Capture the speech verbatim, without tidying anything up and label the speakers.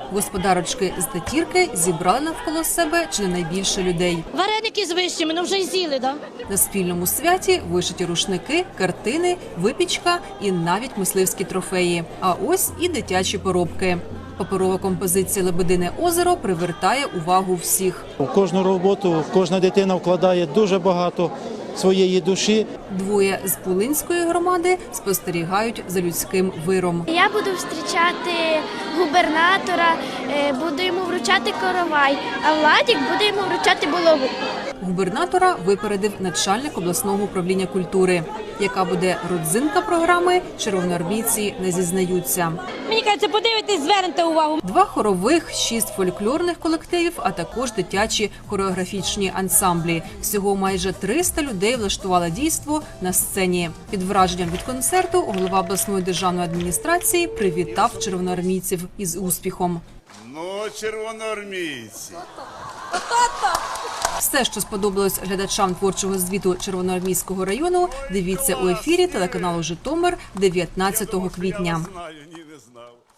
Speaker 1: Господарочки з Татірки зібрали навколо себе чи не найбільше людей.
Speaker 2: Вареники з вишнями, ну вже й з'їли, да?
Speaker 1: На спільному святі вишиті рушники, картини, випічка і навіть мисливські трофеї. А ось і дитячі поробки. Паперова композиція «Лебедине озеро» привертає увагу всіх.
Speaker 3: У кожну роботу кожна дитина вкладає дуже багато своєї душі.
Speaker 1: Двоє з Пулинської громади спостерігають за людським виром.
Speaker 4: Я буду зустрічати губернатора, буду йому вручати коровай, а Владик буде йому вручати булаву.
Speaker 1: Губернатора випередив начальник обласного управління культури. Яка буде родзинка програми, червоноармійці не зізнаються.
Speaker 2: Мені кажеться, подивитись, звернете увагу.
Speaker 1: Два хорових, шість фольклорних колективів, а також дитячі хореографічні ансамблі. Всього майже триста людей влаштували дійство на сцені. Під враженням від концерту голова обласної державної адміністрації привітав червоноармійців із успіхом.
Speaker 5: Ну, червоноармійці.
Speaker 1: Все, що сподобалось глядачам творчого звіту Червоноармійського району, дивіться у ефірі телеканалу «Житомир» дев'ятнадцятого квітня.
Speaker 5: Знаю, ні, не знав.